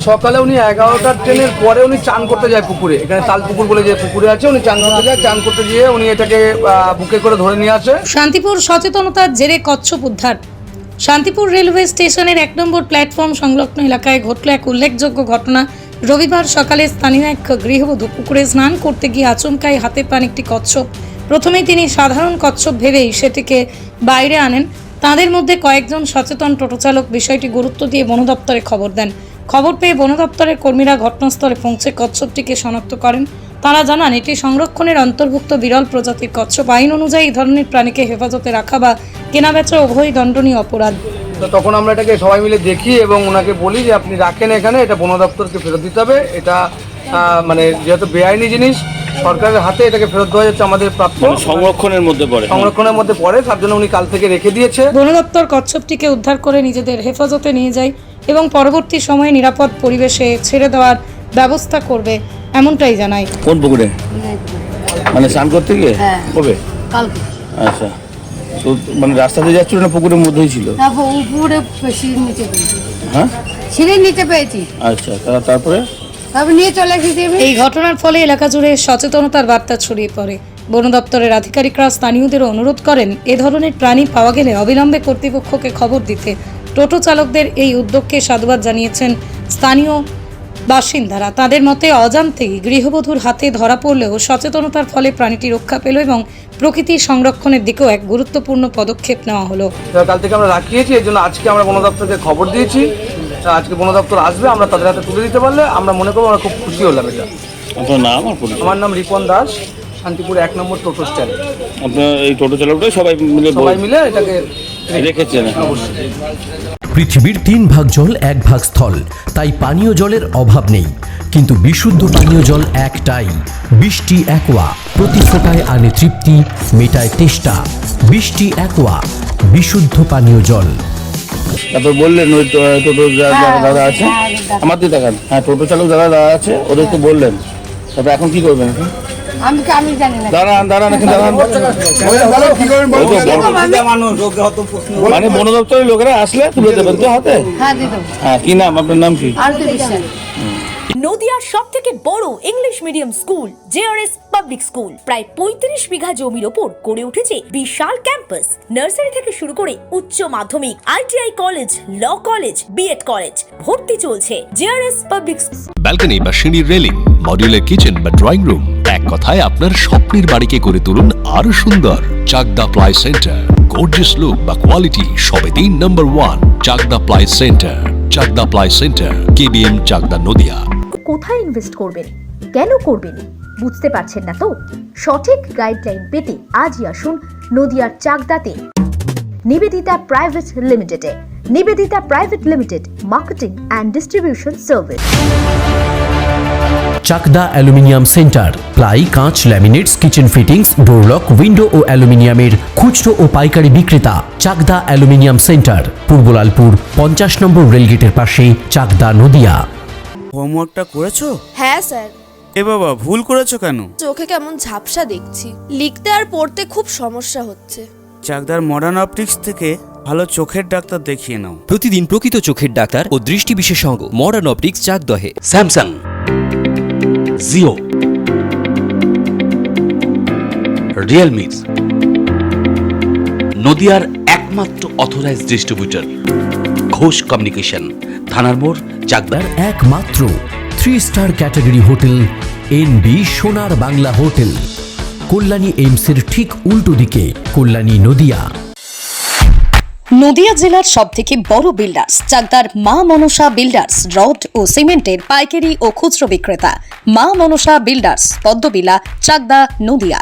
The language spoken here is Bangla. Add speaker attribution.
Speaker 1: সকালে উনি 11টার ট্রেনের পরে উনি চান করতে যায় পুকুরে, এখানে তাল পুকুর বলে যে পুকুরে আছে, উনি চান করতে যায়, চান করতে গিয়ে উনি এটাকে বুকে করে ধরে নিয়ে আসে।
Speaker 2: শান্তিপুর সচেতনতার জেরে কচ্ছপ উদ্ধার। শান্তিপুর রেলওয়ে স্টেশনের 1 নম্বর প্ল্যাটফর্ম সংলগ্ন এলাকায় ঘটল এক উল্লেখযোগ্য ঘটনা। রবিবার সকালে স্থানীয় এক গৃহবধূ পুকুরে স্নান করতে গিয়ে আচমকাই হাতে পান একটি কচ্ছপ। প্রথমেই তিনি সাধারণ কচ্ছপ ভেবেই সেটিকে বাইরে আনেন। তাদের মধ্যে কয়েকজন সচেতন টোটো চালক বিষয়টি গুরুত্ব দিয়ে বন দপ্তরে খবর দেন। খবর পেয়ে বন দপ্তরের কর্মীরা ঘটনাস্থলে পৌঁছে কচ্ছপটিকে শনাক্ত করেন। তারা জানান এটি সংরক্ষণের অন্তর্ভুক্ত বিরল প্রজাতির কচ্ছপ। আইন অনুযায়ী এই ধরনের প্রাণীকে হেফাজতে রাখা বা কেনাবেচা উভয়ই দণ্ডনীয় অপরাধ।
Speaker 1: তো তখন আমরা এটাকে সবাই মিলে দেখি এবং ওনাকে বলি যে আপনি রাখেন এখানে, এটা বন দপ্তরকে ফেরত দিতে হবে। এটা মানে যেহেতু বেআইনি জিনিস, সরকারের হাতে এটাকে ফেরত দেওয়া যাচ্ছে আমাদের প্রাপ্য,
Speaker 3: সংরক্ষণের মধ্যে পড়ে,
Speaker 1: তার জন্য উনি কাল থেকে রেখে দিয়েছে।
Speaker 2: বন দপ্তর কচ্ছপটিকে উদ্ধার করে নিজেদের হেফাজতে নিয়ে যায় এবং পরবর্তী সময়ে নিরাপদ পরিবেশে ছেড়ে দেওয়ার ব্যবস্থা করবে, এমনটাই জানায়।
Speaker 3: কোন পুকুরে? মানে স্নান করতে গিয়ে? কবে?
Speaker 4: কালকে।
Speaker 3: আচ্ছা, তো মানে রাস্তা দিয়ে যাচ্ছিল না পুকুরের মধ্যেই ছিল?
Speaker 4: উপরে সিঁড়ির নিচে পেয়েছি।
Speaker 3: হ্যাঁ,
Speaker 4: সিঁড়ির নিচে পেয়েছি।
Speaker 3: আচ্ছা, তারপরে
Speaker 4: নিয়ে চলে এসেছি।
Speaker 2: এই ঘটনার ফলে এলাকা জুড়ে সচেতনতার বার্তা ছড়িয়ে পড়ে। বন দপ্তরের আধিকারিকরা স্থানীয়দেরও অনুরোধ করেন এ ধরনের প্রাণী পাওয়া গেলে অবিলম্বে কর্তৃপক্ষকে খবর দিতে। টোটো চালকদের এই উদ্যোগকে সাধুবাদ জানিয়েছেন স্থানীয় বাসিন্দারা। তাদের মতে অজান্তেই গৃহবধূর হাতে ধরা পড়লেও সচেতনতার ফলে প্রাণীটি রক্ষা পেল এবং প্রকৃতির সংরক্ষণের দিকেও এক গুরুত্বপূর্ণ পদক্ষেপ নেওয়া হলো।
Speaker 1: কাল থেকে আমরা রাখিয়েছি, এর জন্য আজকে আমরা বন দপ্তরকে খবর দিয়েছি। আজকে বন দপ্তর আসবে, আমরা তাদের হাতে তুলে দিতে পারলে আমরা মনে করবো আমরা খুব খুশি হলাম। এটা
Speaker 3: আপনার নাম?
Speaker 1: আমার নাম রিপন দাস, শান্তিপুর 1 নম্বর টোটো স্ট্যান্ড।
Speaker 3: আপনার এই টোটো চালকটাই সবাই মিলে
Speaker 1: এটাকে
Speaker 3: রেখেছেন?
Speaker 1: অবশ্যই।
Speaker 5: পৃথিবীর 3 ভাগ জল 1 ভাগ স্থল, তাই পানীয় জলের অভাব নেই। কিন্তু বিশুদ্ধ পানীয় জল একটাই, বৃষ্টি অ্যাকোয়া। প্রতি ফোঁটায় আনে তৃপ্তি, মেটায় তেষ্টা। বৃষ্টি অ্যাকোয়া, বিশুদ্ধ পানীয় জল।
Speaker 3: তারপর বললেন ওই টোটো দাদা আছে, আমার দিয়ে দেখান। হ্যাঁ, টোটো চালক দাদা আছে, ওদেরকে বললেন। তারপর এখন কি করবেন?
Speaker 4: আমি জানি না।
Speaker 3: দাঁড়ান। মানে বন দপ্তরের লোকেরা আসলে তুলে দেবেন তো হাতে? হ্যাঁ, কি নাম আপনার? নাম কি?
Speaker 6: নদিয়ার সবথেকে বড় English medium school JRS public school প্রায় 35 বিঘা জমির ওপর গড়ে উঠেছে বিশাল ক্যাম্পাস। নার্সারি থেকে শুরু করে উচ্চ মাধ্যমিক, ITI college, law college, BEd college ভর্তি চলছে জেআরএস পাবলিক।
Speaker 7: ব্যালকনি বা সিঁড়ির রেলিং, মডিউলার কিচেন বা ড্রয়িং রুম, এক কথায় আপনার স্বপ্নের বাড়িকে করে তুলুন আরো সুন্দর। Chakdah ply centre, gorgeous look বা কোয়ালিটি সবে 3 number 1 Chakdah ply centre. Chakdah ply centre, KBM, Chakdah, Nadia.
Speaker 8: কোথায় ইনভেস্ট করবেন, কেন করবেন বুঝতে পারছেন না তো? সঠিক গাইডলাইন পেতে আজই আসুন নদিয়ার চাকদাতে নিবেদিতা প্রাইভেট লিমিটেডে। Nivedita private limited, marketing and distribution service.
Speaker 5: Chakdah aluminium centre, ply, কাঁচ, laminates, kitchen fittings, door lock, window ও অ্যালুমিনিয়ামের খুচরো ও পাইকারি বিক্রেতা। Chakdah aluminium centre, Purbalalpur 50 number রেলগেটের পাশে, চাকদা, নদিয়া।
Speaker 9: হোমওয়ার্কটা করেছো?
Speaker 10: হ্যাঁ স্যার।
Speaker 9: এ বাবা, ভুল করেছো কেন?
Speaker 10: চোখে কেমন ঝাপসা দেখছি, লিখতে আর পড়তে খুব সমস্যা হচ্ছে।
Speaker 9: চাকদার মডার্ন অপটিক্স থেকে ভালো চোখের ডাক্তার দেখিয়ে নাও।
Speaker 11: প্রতিদিন প্রকৃত চোখের ডাক্তার ও দৃষ্টি বিশেষজ্ঞ মডার্ন অপটিক্স, চাকদহে।
Speaker 12: স্যামসাং, জিও, রিয়েলমি, নদিয়ার একমাত্র অথরাইজড ডিস্ট্রিবিউটর ঘোষ কমিউনিকেশন, থানার মোড়, চাকদার
Speaker 5: একমাত্র 3 স্টার ক্যাটাগরি হোটেল এনবি সোনার বাংলা হোটেল, কল্যাণী এইমসের ঠিক উল্টো দিকে, কল্যাণী, নদিয়া।
Speaker 2: নদিয়া জেলার সবথেকে বড় বিল্ডার্স চাকদার মা মনসা বিল্ডার্স, রড ও সিমেন্টের পাইকারি ও খুচরো বিক্রেতা। মা মনসা বিল্ডার্স, পদ্মবিলা, চাকদা, নদিয়া।